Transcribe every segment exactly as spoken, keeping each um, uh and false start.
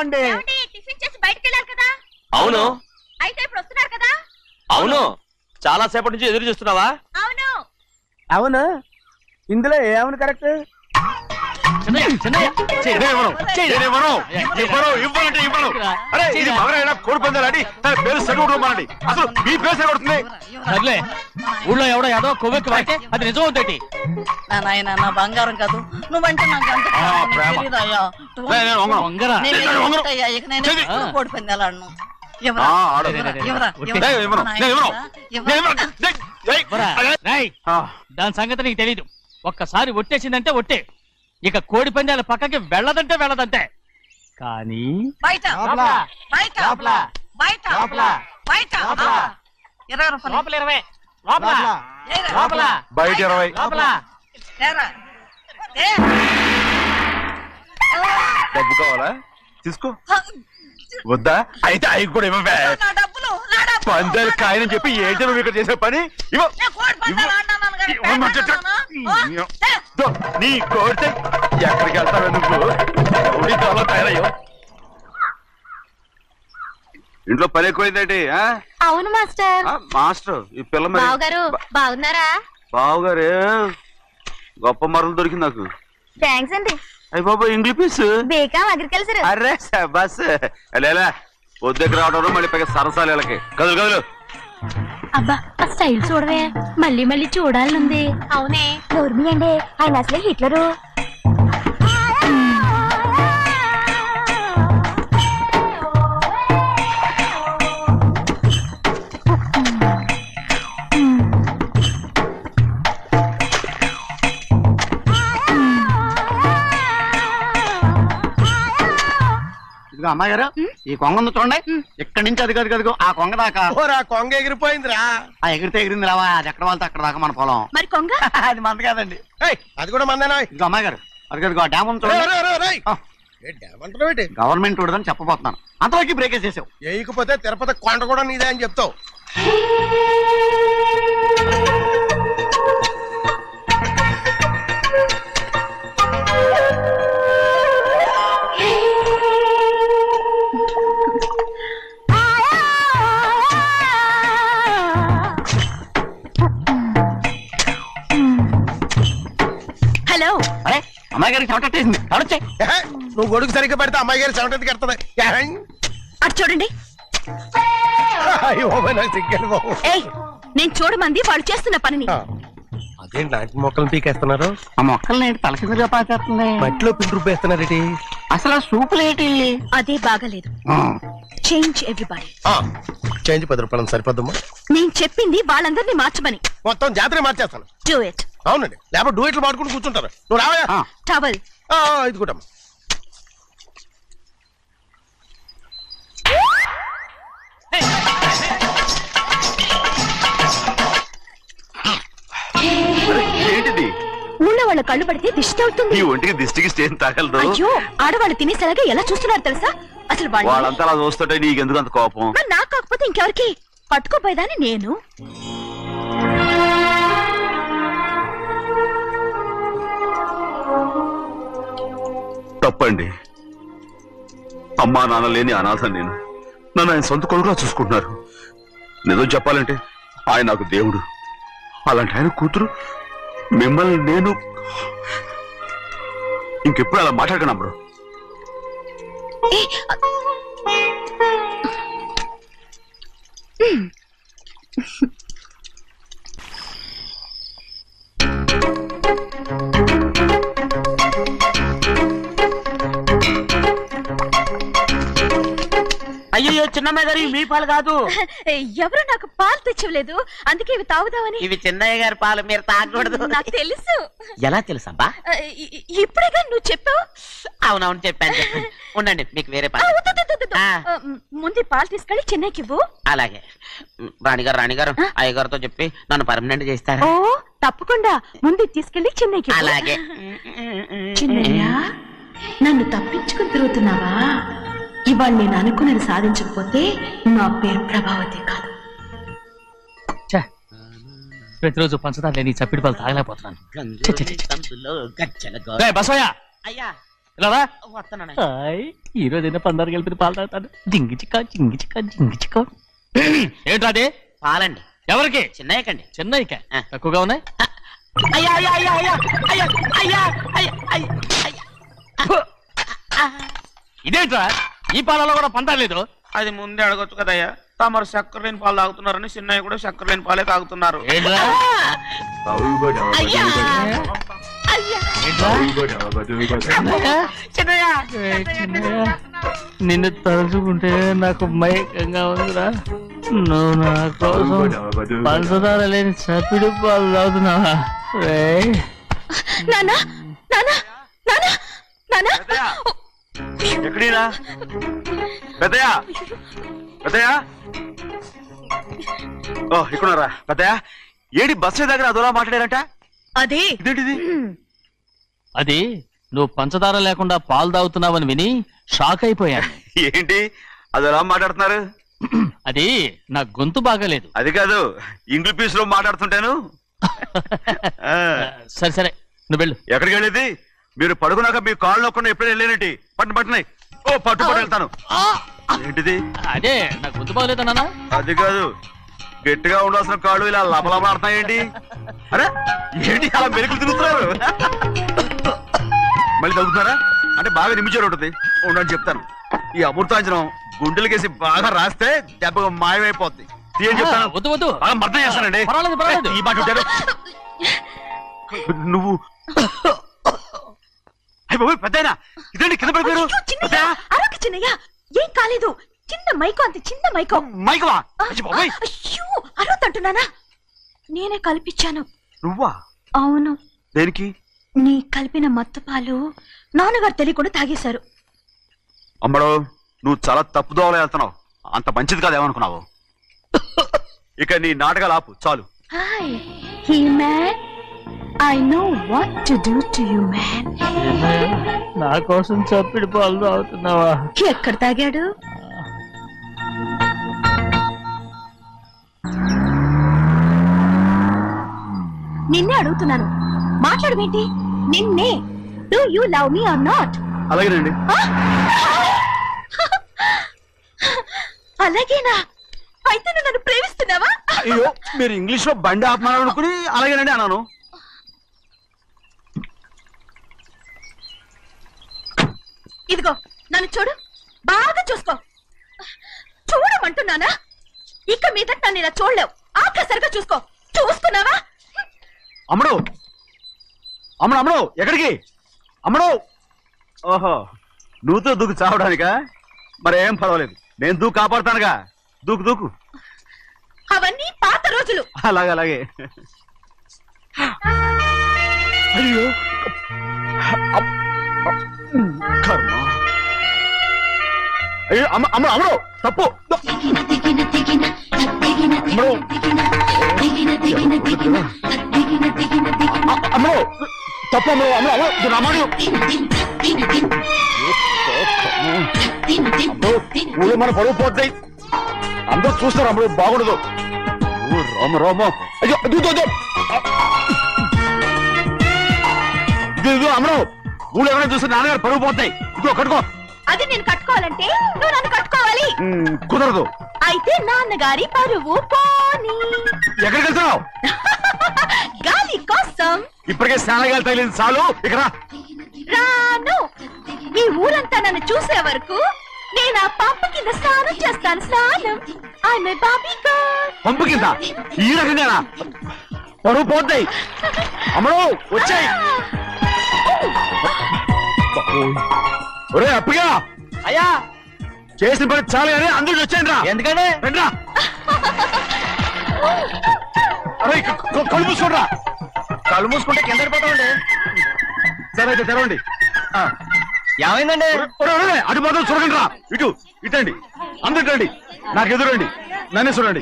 అండి. టిఫిన్ చేసి బయటికి వెళ్ళాలి కదా. అవును. అయితే ఇప్పుడు వస్తున్నారు కదా. అవును. చాలా సేపటి నుంచి ఎదురు చూస్తున్నావా? అవును. అవును. ఇందులో ఏమవును కరెక్ట్? ఊళ్ళో ఎవడో ఏదో కొవ్వెక్కి వాడితే అది నిజం అవుతాయి. నాయన నా బంగారం కాదు నువ్వంటే నాకు కోడి పందాలను దాని సంగతి నీకు తెలీదు. ఒక్కసారి ఒట్టేసిందంటే ఒట్టే. ఇక కోడి పందాల పక్కకి వెళ్ళదంటే వెళ్ళదంటే. కానీ బయట బయట బయట బయట ఇరవై రూపాయలు లోపల ఇరవై లోపల లోపల బయట ఇరవై లోపల డబ్బు కావాలా? తీసుకో. వద్దా? అయితే అవి కూడా ఇవ్వవే. పందాలు కాయని చెప్పి ఏంటి నువ్వు ఇక్కడ చేసే పని? నీ కోరితే ఎక్కడికి వెళ్తావే నువ్వు? చాలా తయారయ్యో. ఇంట్లో పని ఎక్కువైందండి. అవును మాస్టర్. మాస్టర్ ఈ పిల్ల బావగారు బాగున్నారా? బావగారే గొప్ప మరలు దొరికింది నాకు. థ్యాంక్స్ అండి. అయ్యి బాబా ఇంగ్లీష్ బీకామ్ అగ్రికల్చర్. అరే బస్ లేలా వద్దకు రావడం మళ్ళీ పైగా సరసాలు వీళ్ళకి. కదులు కదులు. అబ్బా ఆ స్టైల్ చూడవే, మళ్ళీ మళ్ళీ చూడాలనుంది. అవునే నోర్మి అండి, ఆయన అసలే హిట్లరు. అమ్మాయి గారు ఈ కొంగ ఉంది చూడండి. ఇక్కడి నుంచి అది కదు కదుగో ఆ కొంగ దాకా. ఆ కొంగ ఎగిరిపోయిందిరా. ఆ ఎగిరితే ఎగిరింది రావా, అది ఎక్కడ వాళ్ళతో అక్కడ దాకా మన పొలం. మరి కొంగ అది మంద కాదండి. అది కూడా మందేనా? ఇది అమ్మాయి గారు అది కదుగో ఆ డ్యామ్ ఉంది చూడండి. గవర్నమెంట్ ఉండదని చెప్పబోతున్నాను, అంతవరకు బ్రేక్ వేసేసావు. వేయకపోతే తిరుపతి కొండ కూడా నీదే అని చెప్తావు. హలో. అరే అమ్మాయి గారికి చెమటేసింది, తడొచ్చే. నువ్వు గొడుగు సరిగ్గా పెడితే అమ్మాయి గారి చెమట ఎందుకు ఎడుతుంది? అటు చూడండి. నేను చూడమంది వాళ్ళు చేస్తున్న పనిని. అదేంటి లాంటి మొక్కలను పీకేస్తున్నారు? ఆ మొక్కల్ని ఏంటి తల కిందగా పాకేస్తుంది? మట్టిలో పిండి రూపేస్తున్నారేటి? అసలు ఆ సూపులేటి? అదే బాగలేదు. Change everybody. చేంజ్ పది రూపాయలు సరిపోద్దమ్మా. నేను చెప్పింది వాళ్ళందరినీ మార్చమని. మొత్తం జాతర మార్చేస్తాను. Do it. అవునండి, లేకపోతే డూయిట్లు మాడుకుంటూ కూర్చుంటారు. నువ్వు రావా? టవల్ ఇది కూడా ఏంటిది? ఊళ్ళో వాళ్ళ కళ్ళు పడితే దిష్టి అవుతుంది. ఈ ఒంటికి దిష్టికి స్టేన్ తగలదు. అయ్యో ఆడవాళ్ళు తినేసరిగా ఎలా చూస్తున్నారు తెలుసా? అసలు వాళ్ళంతా అలా చూస్తుంటే నీకెందుకు అంత కోపం? నాకు కాకపోతే ఇంకెవరికి? పట్టుకోపోయేదాన్ని నేను. తప్పండి. అమ్మా నాన్న లేని అనాథ నేను. నన్ను ఆయన సొంత కొడుకులా చూసుకుంటున్నారు. నిజం చెప్పాలంటే ఆయన నాకు దేవుడు. అలాంటి ఆయన కూతురు మిమ్మల్ని నేను ఇంకెప్పుడు అలా మాట్లాడకను బ్రో. అయ్యో చిన్నమ్మాయి గారు మీ పాలు కాదు. ఎవరు నాకు పాలు తెచ్చలేదు, అందుకే ఇవి తాగుదామని. ఇవి చిన్నయ్య గారి పాలు, మీరు తాగకూడదు. నాకు తెలుసు. ఎలా తెలుసబ్బా? ఇప్పుడేగా నువ్వు చెప్పావు. అవునవును చెప్పాను చెప్పాను. ఉండండి మీకు వేరే పాలు. ముందు పాలు తీసుకెళ్ళి చెన్నైకి ఇవ్వు. అలాగే రాణిగారు రాణిగారు అయ్యగారితో చెప్పి నన్ను పర్మనెంట్ చేస్తారా? ఓ తప్పకుండా, ముందు తీసుకెళ్ళి చెన్నైకి. అలాగే. చిన్నయ్య నన్ను తప్పించుకుని తిరుగుతున్నావా? ఇవాళ నేను అనుకున్నది సాధించకపోతే నా పేరు ప్రభావతి కాదు. ప్రతిరోజు పంచదార లేని చప్పిడి పాలు తాగలేకపోతున్నాను. గంజులో గజ్జల గో- బసోయా అయ్యా ఇలా రా. వస్తానండి. హాయ్, ఈ రోజు అయినా పందారు కలిపి పాలు తాగుతాను. జింగి చిక్క జింగి చిక్క జింగి చిక్క. ఏంట్రా అది? పాలండి. ఎవరికి? చిన్నయ్యకండి. చిన్నయ్యక ఆ. తక్కువగా ఉన్నాయి. అయ్యా అయ్యా అయ్యా అయ్యా అయ్యా అయ్యా అయ్యా అయ్యా అయ్యా. ఇదేంట్రా ఈ పాలలో కూడా పందాలేదు? అది ముందే అడగొచ్చు కదయ్యా. తమరు చక్కెర లేని పాలు తాగుతున్నారని చిన్నయ్య కూడా చక్కెర లేని పాలే తాగుతున్నారు. ఏంట్రా? అయ్యా ఏంట్రా? చిన్నయ్య ఏయ్, చిన్నయ్య, నిన్ను తలుచుకుంటే నాకు మైకంగా ఉందిరా. నువ్వు నా కోసం పంచదార లేని చప్పిడి పాలు తాగుతున్నావా? రేయ్, నానా నానా నానా నానా ఎక్కడీనా పెద్దయా పెద్దయా ఓ ఇక్కడున్నారా పెద్దయా? ఏడి బస్సు దగ్గర అదోలా మాట్లాడారంట. అదే ఇదేంటిది? అది నువ్వు పంచదార లేకుండా పాలు తాగుతున్నావని విని షాక్ అయిపోయాను. ఏంటి అదోలా మాట్లాడుతున్నారు? అది నా గొంతు బాగాలేదు. అది కాదు, ఇంగ్లీష్ పీస్ లో మాట్లాడుతుంటాను. ఆ, సరే సరే నువ్వు వెళ్ళు. ఎక్కడికి వెళ్ళేది? మీరు పడుకున్నాక మీ కాళ్ళు నొక్కకుండా ఎప్పుడైనా వెళ్ళేనటి పట్టు పట్టునాయి. ఓ పట్టు పట్టు వెళ్తాను. ఏంటిది? అదే నా గొంతు బాగలేదు నాన్న. అది కాదు, గట్టిగా ఉండాల్సిన కాళ్ళు ఇలా లపలపడుతున్నాయేంటి? అరే ఏంటి అలా మెరుకులు తిరుగుతున్నారు? మళ్ళీ తగ్గుతున్నారా? అంటే బాగా నిమిషాలు ఉంటుంది. ఉండని చెప్తాను. ఈ అమృతాంజనం గుండెలకేసి బాగా రాస్తే దెబ్బగా మాయమైపోద్ది. తీయని చెప్తాను. వద్దు వద్దు, బాగా మర్దం చేస్తానండి. పర్వాలేదు పర్వాలేదు. ఈ మాట ఉంటారు నువ్వు. అయ్య బాబోయ్ పెద్దయినా ఇదేంటి కింద పడిపోయారు? అరొక చిన్నయ్య ఏం కాలేదు. చిన్న మైకో, అంత చిన్న మైకో. మైకవా? అయ్య బాబోయ్, అయ్యో అరవతంటున్నానా? నేనే కల్పించాను. నువ్వా? అవును, దేనికి? నీ కలిపిన మత్తు పాలు నాన్నగారు తెలియకుండా తాగేశారు. అమ్మడో, నువ్వు చాలా తప్పుదోవలో వెళ్తున్నావు. అంత మంచిది కాదేమనుకున్నావు? ఇక నీ నాటకాలు ఆపు చాలు. Hi he man, I know what to do to you man. నా కోసం చప్పిడి పాలు తాగుతున్నావా? ఎక్కడ తాగాడు? నిన్నే అడుగుతున్నాను, మాట్లాడమేంటి? నిన్నే. Do you love me or not? అలాగేనండి. అలాగేనా? అయితే నువ్వు నన్ను ప్రేమిస్తున్నావా? అయ్యో, మీరు ఇంగ్లీష్ లో బండి ఆపమాలనుకుని అలాగేనండి అన్నాను. ఇదిగో నన్ను చూడు, బాగా చూసుకో. చూడమంటున్నానా? ఇక మీద నన్ను ఇలా చూడలేవు. ఆఖసరిగా చూసుకో. చూస్తున్నావా? అమ్మడు అమ్మడు అమ్మడు ఎక్కడికి? అమ్మడు, ఓహో నువ్వుతో దూకు చావడానికా? మరేం పర్వాలేదు, నేను దూకు కాపాడుతానుగా. దూకు దూకు. అవన్నీ పాత రోజులు. అలాగే అలాగే. అయ్యో అమ్- కర్మ. అయ్యో అమ్మ అమ్మ అమ్మడు తప్పు. అమ్మడు అ- అమ్మడు తప్పు. అమ్మడు అమ్మడు అమ్మడు రమ్మడు. ఊళ్ళో మన పరువు పోతాయి. అందరూ చూస్తారు. అమ్మడు బాగుండదు. ఓ రామ రామ. అయ్యో ఇదిగో ఇదిగో. ఇదిగో ఇదిగో అమ్మడు, ఊళ్ళో ఎవరైనా చూస్తే నాన్నగారు పరువు పోతాయి. ఇదిగో కట్టుకో. అది నేను కట్టుకోవాలంటే నువ్వు నన్ను కట్టుకోవాలి. ఉమ్, కుదరదు. అయితే నాన్నగారి పరువు పోనీ. ఎక్కడికి వెళ్తున్నావు? గాలి కోసం. ఇప్పటికే స్నానగాలు తగిలింది చాలు. ఇక్కడ రాను. ఈ ఊరంతా నన్ను చూసే వరకు నేను ఆ పంపు కింద స్నానం చేస్తాను. స్నానం. ఐ మై బాబీ గర్ల్. పంపు కింద ఈ రకంగా పరువు పోతాయి. అమ్మడు వచ్చాయి. ఒరే అప్పగా, అయ్యా చేసిన పని చాలు కానీ అందరికి వచ్చాను రా. ఎందుకంటే రండి రా. అరే క- క- కళ్ళు మూసుకోండి. కళ్ళు మూసుకుంటే కింద పడిపోతామండి. సరే అయితే తెరవండి. ఆ. ఏమైందండి? ఒరే, ఒరే, ఒరే, అటు మాత్రం చూడండి రా. ఇటు ఇటండి. అందరు రండి. నాకు ఎదురండి. నన్నే చూడండి.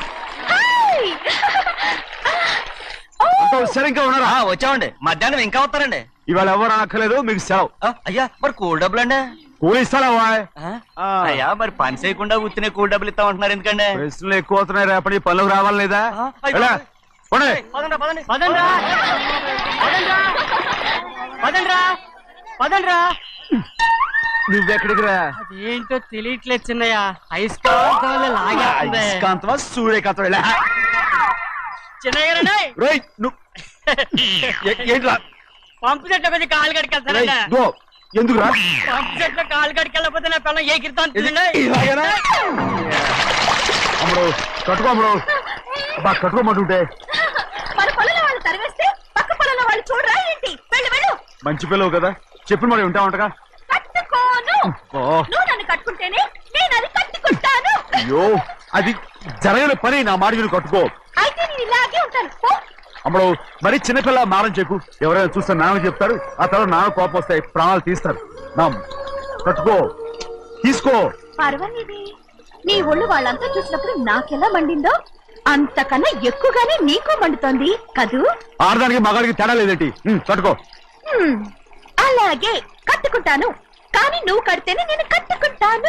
అంత సరిగ్గా ఉన్నారా? వచ్చామండి. మధ్యాహ్నం ఇంకా వస్తారండి. ఇవాళ ఎవరు అనక్కర్లేదు, మీకు సెలవు. అయ్యా మరి కూల్ డబ్బులు అండి? కూలి ఇస్తారా? అయ్యా మరి పని చేయకుండా ఉత్తినే కూల్ డబ్బులు ఇస్తామంటున్నారు ఎందుకండి? ప్రశ్నలు ఎక్కువ అవుతున్నాయి. రేపటి పనులకు రావాలి లేదా? అయ్యో. ఎలా? పోనీ. పదండ్రా, పదండి. పదండ్రా. పదండ్రా. పదండ్రా. పదండ్రా. నువ్వెక్కడికి రా ఏంటో తెలియట్లేదు చిన్నయ్య అయస్కాంతం వల్ల లాగేస్తుంది. అయస్కాంతమా సూర్యకాంతం ఇలా చిన్నయ్య గారండి, రేయ్ నువ్వు ఏ- ఏంట్రా పంపు చెట్లు కొంచెం కాలు రేయ్, కడికెళ్తానండి. దో, ఎందుకురా పంపు చెట్లు కాలు కడికెళ్ళకపోతే నా పిల్లలు ఏ కిర్తాను ఇది- ఇలాగేనా? అమ్ముడు కట్టుకో అమ్ముడు బా కట్టుకోమంటుంటే మన పొలంలో వాళ్ళు తరివేస్తే పక్క పొలంలో వాళ్ళు చూడరా ఏంటి? వెళ్ళు వెళ్ళు. మంచి పిల్లవు కదా చెప్పిన మరి ఉంటామంటగా కట్టుకోను. ఓ నువ్వు నన్ను కట్టుకుంటేనే నేను అది కట్టుకుంటాను. అయ్యో అది జరగని పని నా మాట మీరు కట్టుకో అయితే నేను ఇలాగే ఉంటాను. పో. అమ్మడు మరి చిన్నపిల్ల మారం చెప్పు ఎవరైనా చూస్తే నాన్న చెప్తారు ఆ తర్వాత నాన్న కోపం వస్తాయి ప్రాణాలు తీస్తారు నా కట్టుకో తీసుకో పర్వాలేదే, నీ ఒళ్ళు వాళ్ళంతా చూసినప్పుడు నాకెలా మండిందో అంతకన్నా ఎక్కువగానే నీకు మండుతోంది కదూ? ఆడదానికి మగాడికి తేడా లేదేంటి ఉమ్, కట్టుకో హ్మ్, అలాగే కట్టుకుంటాను. కానీ నువ్వు కడితేనే నేను కట్టుకుంటాను.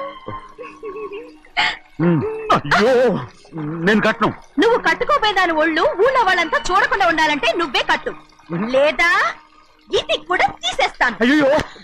ఉమ్, అయ్యో నేను కట్టను నువ్వు కట్టుకోపోయేదాని ఒళ్ళు ఊళ్ళో వాళ్ళంతా చూడకుండా ఉండాలంటే నువ్వే కట్టు, లేదా ఇది కూడా తీసేస్తాను. అయ్యో